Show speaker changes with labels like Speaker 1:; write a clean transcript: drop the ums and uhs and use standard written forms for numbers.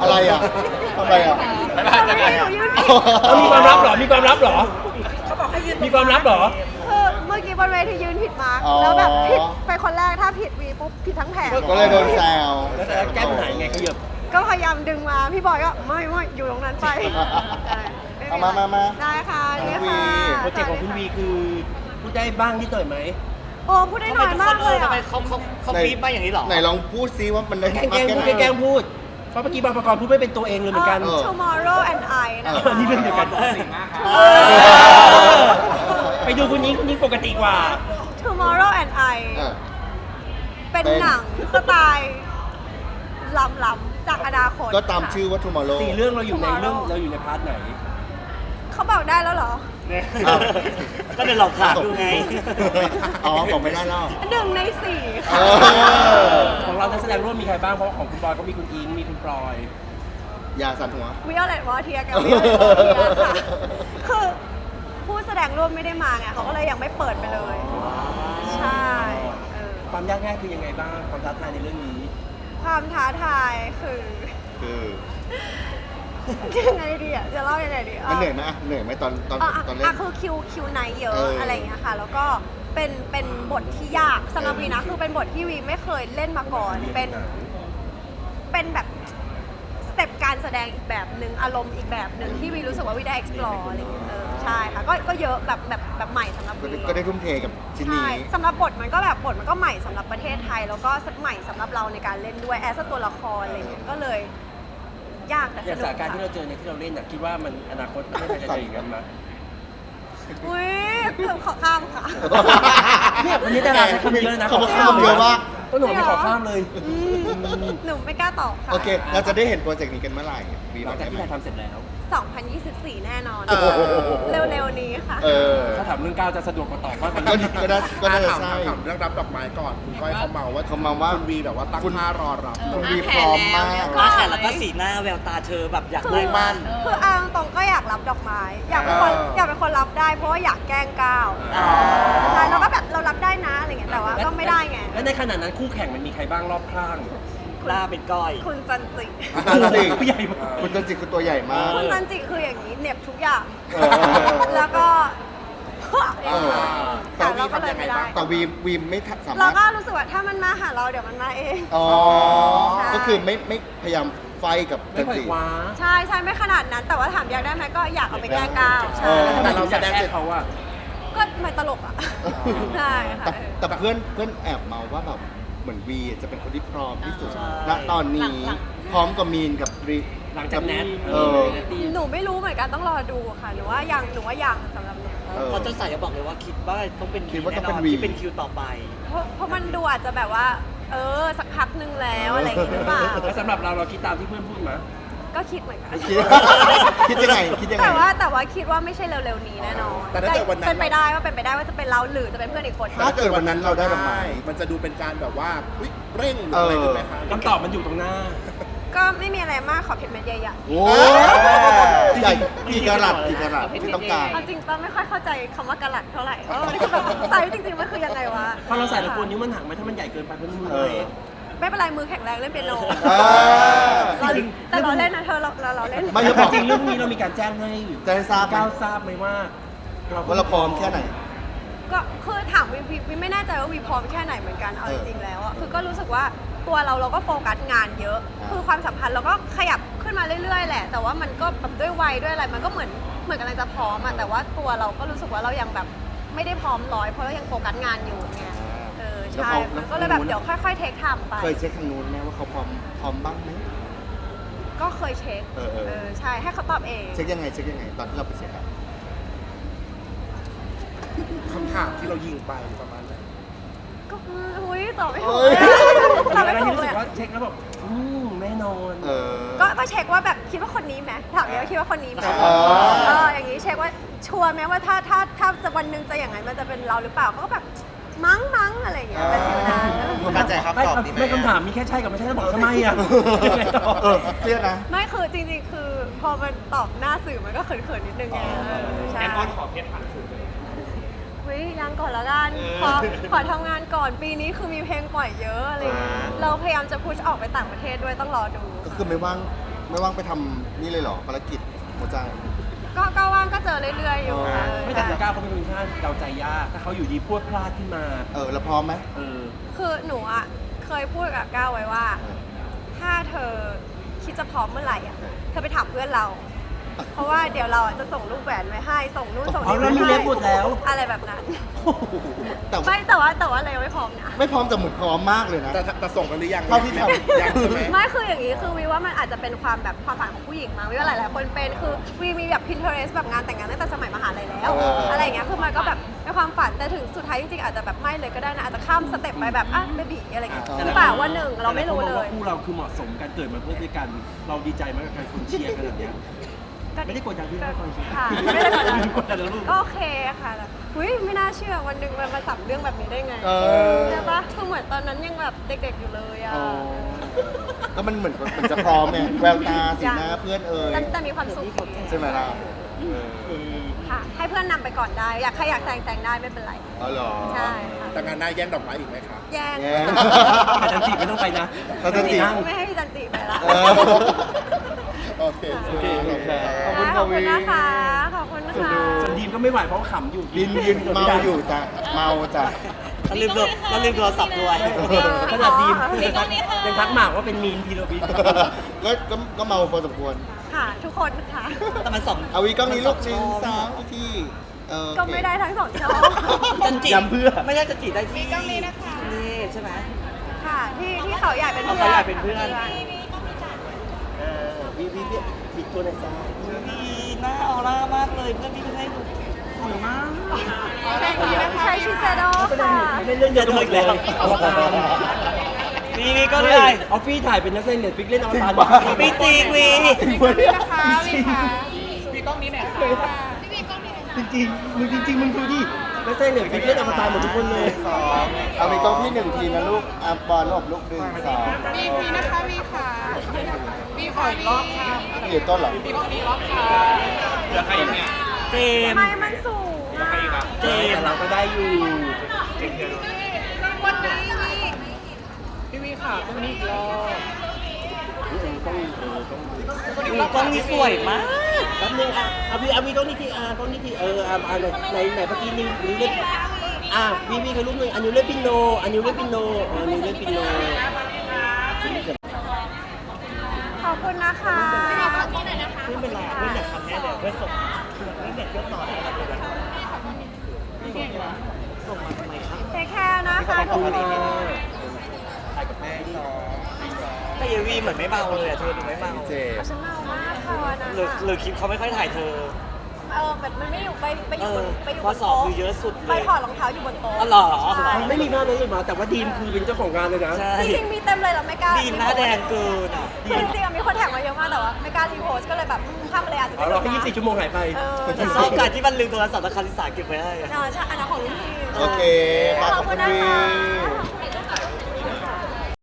Speaker 1: อะไรอ่ะทำไมอ่ะ
Speaker 2: มีความลับเหรอมีความลับเหรอมีความลับเหรอ
Speaker 3: คือเมื่อกี้บนเวทียืนผิดมาร์กแล้วแบบผิดไปคนแรกถ้าผิดวีปุ๊บผิดทั้งแผง
Speaker 1: ก็เลยโดนแซว
Speaker 2: แล้วแก้ปัญหายังไงขยับ
Speaker 3: ก็พยายามดึงมาพี่บอยก็ไม่อยู่ตรงนั้นไป
Speaker 1: เอามา
Speaker 3: ได้ค่ะนี่
Speaker 1: วี
Speaker 3: ค่ะ
Speaker 2: โปรเจกต์ของคุณวีคือพูดได้บ้างนิดหน่อยไหม
Speaker 3: โอ้พูดได้น้อยมากเลย
Speaker 4: ทำ
Speaker 3: อ่ะ
Speaker 4: ไมเขาฟีดมาอย่างนี้หรอ
Speaker 1: ไหนลองพูดซิว่ามันได้
Speaker 2: แกล้ง
Speaker 1: มาก
Speaker 2: พูด
Speaker 1: แค่ไหน
Speaker 2: แกล้งพูดเพราะเมื่อกี้บางประกอบพูดไม่เป็นตัวเองเลยเหมือนกัน
Speaker 3: Tomorrow and I นะ
Speaker 2: อันนี้เรื่องเดียวกันไปดูคุณยิงปกติกว่า
Speaker 3: Tomorrow and I เป็นหนังสไตล์ล้ำๆจากอนาคต
Speaker 1: ก็ตามชื่อว่า tomorrow
Speaker 2: 4 เรื่องเราอยู่ในเรื่องเราอยู่ในพาร์ทไหน
Speaker 3: เขาบอกได้แล้วเหรอ
Speaker 4: ก็เดินหลอกถามดูไง
Speaker 1: อ๋อบอกไม่ได้แล้ว
Speaker 3: 1 ใน 4 ค่ะ
Speaker 2: ของเรานักแสดงร่วมมีใครบ้างเพราะของคุณบอยก็มีคุณอิงมีคุณปลอย
Speaker 1: อย่าสั่นหัว
Speaker 3: วิโอเลตวอเทียกับวิโอเลตวอเทียค่ะ คือผู้แสดงร่วมไม่ได้มาไงเขาก็เลยยังไม่เปิดไปเลย ใช่เออ
Speaker 2: ความยากง่ายคือยังไงบ้างความท้าทายในเรื่องนี้
Speaker 3: ความท้าทายคือ
Speaker 1: คือ
Speaker 3: ยังไงดีอ่ะจะเล่ายังไงดี
Speaker 1: มันเหนื่อยไหมเหนื่อยไหมตอนเล่น
Speaker 3: คือคิวไนท์เยอะ
Speaker 1: เอออ
Speaker 3: อะไรอย่างเงี้ยค่ะ แล้วก็เป็นบทที่ยากสำหรับวีนะคือเป็นบทที่วีไม่เคยเล่นมาก่อน เป็นแบบสเต็ปการแสดงอีกแบบหนึ่งอารมณ์อีกแบบหนึ่งที่วีรู้สึกว่าวีได้ explore อะไรอย่างเงี้ยใช่ค่ะก็เยอะแบบใหม่สำหรับวี
Speaker 1: ก็ได้ทุ่มเทกับชิ้น
Speaker 3: ใช่
Speaker 1: นี้
Speaker 3: สำหรับบทมันก็ใหม่สำหรับประเทศไทย แล้วก็ใหม่สำหรับเราในการเล่นด้วยแอสตัวละครอะไรอย่างเงี้ยก็เลยยากแต่
Speaker 2: อ
Speaker 3: ส
Speaker 2: ย่าง
Speaker 3: นุ
Speaker 2: ส
Speaker 3: ก
Speaker 2: ถานการณ์ที่
Speaker 3: ค่ะ
Speaker 2: เราเจอในที่เราเล่นน่ะคิดว่ามันอนาคตประเทศไทยจะเจออย่างนั้นไหม
Speaker 3: อุ้ยเกือบขอข้ามค่ะ
Speaker 2: เนี่ยวันนี้ดาราใช้คำเยอะนะ
Speaker 1: เขาบอกข้ามเยอะมาก
Speaker 2: ก็หนูไม่ขอข้ามเลย
Speaker 3: หนูไม่กล้าตอบค่ะ
Speaker 1: โอเค เราจะได้เห็นโปรเจกต์นี้กันเมื่อไหร่มี
Speaker 2: ห
Speaker 1: บ
Speaker 2: ลั
Speaker 1: อง ก
Speaker 2: จาก
Speaker 1: ได้ไหม
Speaker 2: ที่ถ่ายทำเสร็จแล้ว
Speaker 3: 2024 แน่นอน
Speaker 1: โอ้โห
Speaker 3: เร็วๆนี้ค่ะ
Speaker 1: เออ
Speaker 2: ถ้าถามเรื่องก้าวจะสะดวกกว่าตอบมากกว่า
Speaker 1: ก็
Speaker 2: นี้
Speaker 1: ก็น่าจะ
Speaker 5: ถาม
Speaker 1: ใช่
Speaker 5: ถามเรื่องรับดอกไม้ก่อน คุณก้อยเขาเมาว่า
Speaker 1: เขาเมาว่า
Speaker 5: คุณวีแบบว่าตั้งท่ารอรับ
Speaker 1: คุณวีพร้อมมาก
Speaker 3: ก็
Speaker 4: มาแข่แล้วก็สีหน้าแววตาเธอแบบอยากได้มั่น
Speaker 3: คือเอาตรงๆก็อยากรับดอกไม้ อยากเป็นคนรับได้เพราะว่าอยากแกล้งก้าวใช่แล้วก็แบบเรารับได้นะอะไรเงี้ยแต่ว่าก็ไม่ได้ไง
Speaker 2: และในขณะนั้นคู่แข่งมันมีใครบ้างรอบข้าง
Speaker 4: หน้าเป็นก้อย
Speaker 3: คุณจันจิ
Speaker 1: จันจิ
Speaker 2: ผู้ใหญ่มาก
Speaker 1: คุณจันจิคือตัวใหญ่มาก
Speaker 3: คุณจันจิคืออย่างนี้เหน็บทุกอย่าง
Speaker 1: เออ
Speaker 3: แล้วก็
Speaker 1: เออ
Speaker 3: แต่เราก็เลยไม่ได้
Speaker 1: แต่วีไม่สา
Speaker 3: เรา
Speaker 1: มารถ
Speaker 3: ก็รู้สึกว่าถ้ามันมาหาเราเดี๋ยวมันมาเอง
Speaker 1: อ๋อ
Speaker 3: ใช่
Speaker 1: ก็คือไม่พยายามไฟกับ
Speaker 2: ไม่
Speaker 1: จัน
Speaker 2: ค่อย
Speaker 1: จิ
Speaker 2: คว้า
Speaker 3: ใช่ไม่ขนาดนั้น แต่ว่าถามอยากได้ไหมก็อยากเอาไปแกล้งก้าว
Speaker 1: เอ
Speaker 3: ใช่
Speaker 1: อ
Speaker 2: แล้วทำไมเราแสดงเขาอะ
Speaker 3: ก็ไม่ตลกอ่ะใช่ค่ะ
Speaker 1: แต่เพื่อนแอบเมาว่าแบบเหมือนวีจะเป็นคนที่พร้อมที่สุด
Speaker 4: ใช่
Speaker 1: ณตอนนี้พร้อมกับมีนกับรี
Speaker 2: หลังจากแนท
Speaker 1: เออ
Speaker 3: หนูไม่รู้เหมือนกันต้องรอดูค่ะหนูว่ายังสำหรับหนู
Speaker 1: เออ
Speaker 4: พอเจ้าสายจะบอกเลยว่าคิดว่าต้องเป็น
Speaker 1: คิดว่าต้องเป็น
Speaker 4: แน่นน
Speaker 1: วี
Speaker 4: ที่เป็นคิวต่อไป
Speaker 3: เพราะมันดูอาจจะแบบว่า สักพักนึงแล้วอะไรอย่างงี้หรือเปล่า
Speaker 2: แล้วสำหรับเราคิดตามที่เพื่อนพูดไหม
Speaker 3: ก็คิดเหมือนกัน
Speaker 1: คิดยังไงคิดยังไง
Speaker 3: แต่ว่าคิดว่าไม่ใช่เร็วๆนี้แน่นอน
Speaker 5: แต่ถ้าเกิดวันนั้น
Speaker 3: เป็นไปได้ว่าจะเป็นเราหรือจะเป็นเพื่อนอีกคน
Speaker 1: ถ้าเกิดวันนั้นเราได้ดอกไม้
Speaker 5: มันจะดูเป็นการแบบว่าอุ๊ยเร่งหรืออะไรถูกไหมคะ
Speaker 2: คำตอบมันอยู่ตรงหน้า
Speaker 3: ก็ไม่มีอะไรมากขอเพชรเม็ดใหญ่
Speaker 1: โอ้ใหญ่กี่กะรัตที่ต้องการ
Speaker 3: ๆเอาจริงป้าไม่ค่อยเข้าใจคำว่ากะลัดเท่าไหร่มันคือแบบไซส์จริงๆมันคือยังไงวะ
Speaker 2: พอเราใส่เรากลัวนิ้วมันหักไหมถ้ามันใหญ่เกินไปเป็นมือ
Speaker 1: เออ
Speaker 2: เล็ก
Speaker 3: ไม่เป็นไรมือแข็งแรงเล่นเปียโน
Speaker 1: อ่า
Speaker 3: แต่เราเล่นนะเธอเราเล่น
Speaker 1: ไม่ จะบอก
Speaker 2: จริงๆเรื่องนี้เรามีการแจ้งให้
Speaker 1: จะให้ทราบไหม
Speaker 2: ก้าวทราบไหมว่า
Speaker 1: ว่าเราพร้อมแค่ไหน
Speaker 3: ก็คือถามวีไม่แน่ใจว่าวีพร้อมแค่ไหนเหมือนกันเอาจริงๆแล้วอะคือก็รู้สึกว่าตัวเราก็โฟกัสงานเยอะ คือความสัมพันธ์เราก็ขยับขึ้นมาเรื่อยๆแหละ แต่ว่ามันก็แบบด้วยวัยด้วยอะไรมันก็เหมือนกำลังจะพร้อมอะแต่ว่าตัวเราก็รู้สึกว่าเรายังแบบไม่ได้พร้อมร้อยเพราะเรายังโฟกัสงานอยู่ไงใช่มันก็เลยแบบเดี๋ยวค่อยๆเทคไทม์ไป
Speaker 1: เคยเช็คทางนู้นไหมว่าเขาพร้อมบ้างไหม
Speaker 3: ก็เคยเช็ค
Speaker 1: เออ
Speaker 3: ใช่ให้เขาตอบเอง
Speaker 1: เช็คยังไงตอนที่เราไปเช็คอะ
Speaker 5: คำถามที่เรายิงไปประมาณนั้น
Speaker 3: ก็อุ้ยตอบไม่ถู
Speaker 1: เอ้
Speaker 3: ก
Speaker 1: ย
Speaker 3: ตอบ
Speaker 2: อะไร
Speaker 3: ไม่ถู
Speaker 2: ที่
Speaker 3: ก
Speaker 2: รู้
Speaker 3: เล
Speaker 2: สึ
Speaker 3: ย
Speaker 2: ก
Speaker 3: อะ
Speaker 2: ว่าเช็คแล้วแบบแน่นอน
Speaker 1: เออ
Speaker 3: ก็เช็คว่าแบบคิดว่าคนนี้ไหมถามเลยว่าคิดว่าคนนี้ไหม
Speaker 1: อ๋อ
Speaker 3: อย่างนี้เช็คว่าชัวร์ไหมว่าถ้าจะวันหนึงจะอย่างนั้นมันจะเป็นเราหรือเปล่าเขาก็แบบมั้งอะไรอย่างเงี้ยเป็นฟิลนั้น
Speaker 1: มั่นใจครับ
Speaker 2: ไม่คำถามมีแค่ใช่กับไม่ใช่แล้วบอกทำไมอ่ะยังไงต่อ
Speaker 1: เครียดนะ
Speaker 3: ไม่คือจริงๆคือพอมันตอบหน้าสื่อมันก็เขินๆนิดนึงไงใช่แอนออนขอเพชรผ่านสื่อเลยยังก่อนละกันขอทำงานก่อนปีนี้คือมีเพลงปล่อยเยอะอะไรอย่างเงี้ยเราพยายามจะพุชออกไปต่างประเทศด้วยต้องรอดู
Speaker 1: ก็คือไม่ว่างไม่ว่างไปทำนี่เลยเหรอภารกิจหัวใจ
Speaker 3: ก็ว่างก็เจอเรื่อยๆอยู่
Speaker 1: อ๋อ
Speaker 2: ไม่แต่19เขาเป็นคนที่เดาใจยากถ้าเขาอยู่ดีพูดพลาดขึ้นมา
Speaker 1: แล้วพร้อมไหม
Speaker 2: เออ
Speaker 3: คือหนูอ่ะเคยพูดกับก้าวไว้ว่า ถ้าเธอคิดจะพร้อมเมื่อไหร่อ่ะเธอไปถามเพื่อนเรา เพราะว่าเดี๋ยวเราอ่ะจะส่งลูกแหวนไว้ให้ส่งนู่นส่ง
Speaker 2: เอา
Speaker 3: นี่
Speaker 2: แล้วมี
Speaker 3: ไว้
Speaker 2: เล็
Speaker 3: ให้
Speaker 2: บหมดแล้ว
Speaker 3: อะไรแบบนั้น
Speaker 1: แต่
Speaker 3: ไม่แต่ว่าเรายังไม่พร้อมนะ
Speaker 1: ไม่พร้อมแต่เหมือนพร้อมมากเลยนะ
Speaker 5: แต่ส่งกันหรือยัง
Speaker 1: เท่าที่ทำ
Speaker 5: ยังใช่ไหม
Speaker 3: ไม่คืออย่างนี้คือวีว่ามันอาจจะเป็นความแบบความฝันของผู้หญิงมั้งวีว่าหลายๆคนเป็นคือวีมีแบบ Pinterest แบบงานแต่งงานตั้งแต่สมัยมหาลัยแล้ว อะไรอย่างเงี้ยคือมันก็แบบเป็นความฝันแต่ถึงสุดท้ายจริงๆอาจจะแบบไม่เลยก็ได้นะอาจจะข้ามสเต็ปไปแบบเบบีอะไรอย่างเงี้ยหรือเปล่าวันหนึ่งเราไม่รู้เล
Speaker 2: แต่หาย คนมองว่าคู่เราคือเหมาะสมกันเกิดมาเพื่อด้วยกัน เราดีใจมากกับการคนเชียร์ขนาดเนี้ยไม่ได้กดดันพี่ให้คนเชียร์
Speaker 3: ค่ะไม่ได้กดดัน
Speaker 2: กดดันแล้วลูก
Speaker 3: ก็โอเคค่ะแต่อุ้ยไม่น่าเชื่อวันหนึ่งมันมาสับเรื่องแบบนี้ได้ไง ใช่ปะคือเหมือนตอนนั้นยังแบบเด็กๆอยู่เลยอ่ะ
Speaker 1: ก็มันเหมือนจะพร้อมไงแววตาสีหน้าเพื่อน
Speaker 3: แต่มีความสุข
Speaker 1: ใช่ไหมล่ะ
Speaker 3: ค่ะ ให้เพื่อนนำไปก่อนได้ อยากใครอยากแต่งได้ไม่เป็นไร
Speaker 1: อ๋อเหรอ
Speaker 3: ใช่ค่ะ
Speaker 5: แต่งานหน้าแย่งดอกไม้อีกไหมครับ
Speaker 3: แย่ง
Speaker 1: แย่ง
Speaker 2: แต่จันจีไม่ต้องไปนะ
Speaker 1: แต่จันจิ
Speaker 2: นั่ง
Speaker 3: ไม่ให้พี่จันจิไปละ
Speaker 1: เออ
Speaker 5: โอเค
Speaker 1: โอเคขอบคุณครับ
Speaker 3: ขอบคุณนะคะ ขอบคุณนะคะ
Speaker 2: ส่วนดีมก็ไม่ไหวเพราะว่าขำอยู่
Speaker 1: ยืนเมาอยู่จ้ะเมาจ้ะ
Speaker 4: เราลืมโทรศัพท์ด้วย
Speaker 2: ขนาดดีมยังทักหมากว่าเป็นมีนพีโรบิน
Speaker 1: ก็เมาพอสมควร
Speaker 3: ค่ะ ทุกคนค่ะ
Speaker 4: แต่มันสอง
Speaker 1: เอาวีกล้องนี้ลูก
Speaker 4: มั
Speaker 1: หนึ่ง
Speaker 4: ส
Speaker 1: สา
Speaker 4: อ
Speaker 1: ม
Speaker 4: ง
Speaker 1: ที่โอเค
Speaker 3: ก็ไม่ได้ทั้งสองช่อง
Speaker 4: จันจิ
Speaker 2: ย้ำเพื่อ
Speaker 4: ไม่ใช่จันจิได้ที่นี่ใช่ไหม
Speaker 3: ค่ะ ที่เขาใหญ่เป็นเพื่อน
Speaker 4: เขาใหญ่เป็นเพื่อน
Speaker 2: วีบิดตัวไหนซ้าย
Speaker 4: มีหน้าออร่ามากเลยเพื่อนพี่เพิ่งให้ดูสวยมาก
Speaker 3: ใช้ชิเซโดค่ะ
Speaker 2: ไม่เล่นเรื่องเดียวกันอีกแล้วเอาละกัน
Speaker 4: มีก็ได้
Speaker 2: ออฟฟี่ถ่ายเป็นนักแสดงเน็ตฟิกเล่นอวตาร
Speaker 4: มีจริงมี
Speaker 2: จริงๆมึงดูดินักแสดงเน็ตฟิกเล่นอวตารหมดทุกคนเลย
Speaker 1: สองเอาวีกล้องพี่หนึ่งทีนะลูกอ่ะบอลหลบลูกหนึ่งสอง
Speaker 6: มีนะคะมีค่ะมีขออีกรอบค่ะ
Speaker 1: พี่อยู่ต้นเหรอ
Speaker 6: มีกล้องนี้รอบค่ะ
Speaker 4: เจม
Speaker 3: ไม่มันสูงอะ
Speaker 2: แต่เราก็ได้อยู่
Speaker 6: พี่วีค่ะตรงนี้อีกรอบ
Speaker 4: กล้องนี้สวยมาก
Speaker 2: แป๊บนึงเอาวีกล้องนี้ทีกล้องนี้ทีไหนเมื่อกี้นิ้วเล่นวีใครรูปหนึ่งอันนิ้วเล่นปิโนนิ้วเล่นปิโน
Speaker 3: ขอบคุณนะคะ
Speaker 4: เพื่อนเป็นไรเพื่อนอยากทำแน่เลยเพื่อนส่งเพื่อนเน็ตเยอะต่อได้ส่งมาทำไมครับ
Speaker 3: เทคแคร์นะคะ
Speaker 2: ขอบคุณค่ะ
Speaker 4: แต่ยายวีเหมือนไม่เมาเลยอะเธอดูไม่เมา
Speaker 1: เจ
Speaker 3: ฉันเมามากค่ะวันนั้น
Speaker 4: หรือคลิปเขาไม่ค่อยถ่ายเธอ
Speaker 3: มันไม่อยู่ไปอยู่บนไปอยู่บ
Speaker 4: ข้อน สอบ
Speaker 3: โต๊ะ
Speaker 4: คือเยอะสุดเลย
Speaker 3: ไปถอดรองเท้าอยู่บนโต๊ะ
Speaker 4: อ๋อเหรอ
Speaker 3: ใช่
Speaker 2: ไม่มีภาพนั้นเลยมาแต่ว่าดีมคือเป็นเจ้าของงานเลยนะ
Speaker 4: ใช่
Speaker 3: จริงๆมีเต็มเลยเราไม่กล้า
Speaker 4: ดีมหน้าแดงเกินอะ
Speaker 3: คือจริงๆมีคนแท็กมาเยอะมากแต่ว่าไม่กล้ารีโพสต์ก็เลยแบบข้ามไปเลยอาจจะ
Speaker 2: เราแค่24 ชั่วโมงหายไป
Speaker 4: ชอบการที่มันลืมโทรศัพท์และคาริสาเก็บไว้ให้อะ
Speaker 3: ใช่อันนั้นของรุ่นพี่
Speaker 1: โอเค
Speaker 3: ขอบคุณนะคะ
Speaker 1: ขอบคุณ